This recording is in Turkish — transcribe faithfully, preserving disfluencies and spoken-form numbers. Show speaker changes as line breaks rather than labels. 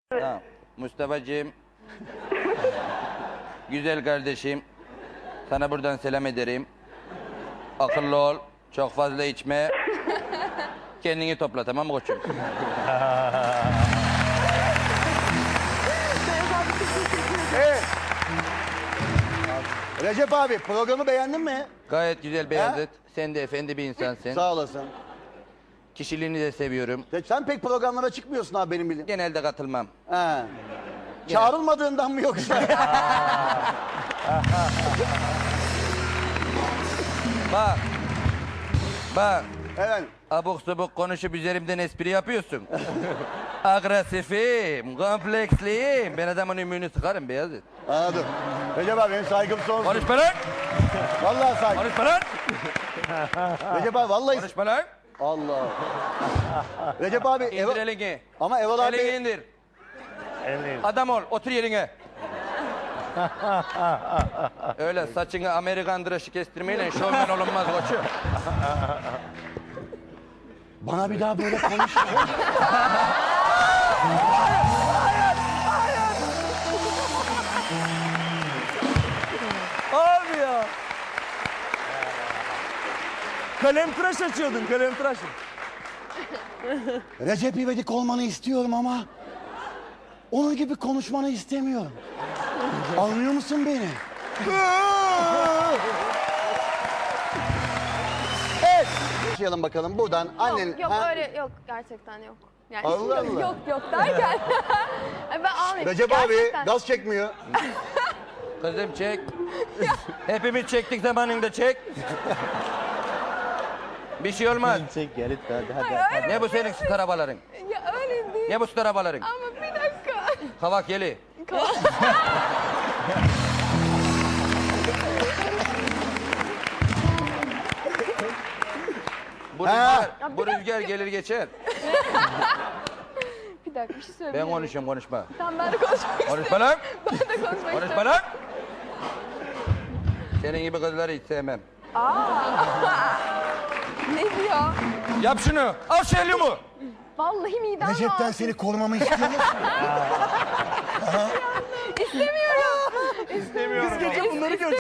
Tamam. Mustafa'cığım, güzel kardeşim, sana buradan selam ederim. Akıllı ol, çok fazla içme. Kendini topla, tamam mı koçum?
Evet. Recep abi programı beğendin mi?
Gayet güzel Beyazıt. Sen de efendi bir insansın.
Sağ olasın.
Kişiliğini de seviyorum.
Ya sen pek programlara çıkmıyorsun abi benim bildiğim.
Genelde katılmam.
He. Çağrılmadığından mı yoksa?
Bak. Bak.
Evet.
Abuk subuk konuşup üzerimden espri yapıyorsun. Agresifim, kompleksliyim. Ben adamın ümüğünü sıkarım Beyazıt.
Anladım. Recep abi benim saygım sonsuz.
Konuşma lan!
Vallahi saygım.
Konuşma lan!
Recep abi vallahi...
Konuşma lan!
Allah. Recep abi...
İndir
Eva...
elini.
Ama Eval abi...
Elini indir.
Elini.
Adam ol, otur yerine. Öyle saçını Amerikan dışı kestirmeyle şovmen olunmaz koçum.
Bana bir daha böyle konuşma.
Abi ya. Kalem tıraş açıyordun, kalem tıraş.
Recep İvedik olmanı istiyorum ama... onun gibi konuşmanı istemiyorum. Anlıyor musun beni? Evet. Başlayalım bakalım buradan. Annen...
Yok, yok
Ha?
öyle yok gerçekten yok. Yani
Allah
yok,
Allah.
yok yok derken Ay ben almayayım.
Recep
Gerçekten.
abi gaz çekmiyor.
Kızım çek. Hepimiz çektik zamanında çek. Bir şey olmaz.
Çek gel hadi hadi.
Ay, öyle
Ne bu senin süt arabaların?
Ya öyle değil.
Ne bu süt arabaların?
Ama bir dakika.
Kavak yeli. Bu
Ha.
rüzgar, bu rüzgar gelir geçer.
Bir dakika bir şey
Ben
söyleyeyim.
konuşuyorum, konuşma.
Tamam ben de konuşmak istiyorum.
Konuşma lan!
Ben de konuşmak
Konuşma
istiyorum.
lan! Senin gibi kızları hiç sevmem.
Ne diyor?
Yap şunu! Al şu helyumu!
Vallahi midem
Recep'ten
var.
seni korumamı istiyor musun?
İstemiyorum.
Biz gece bunları göreceğiz.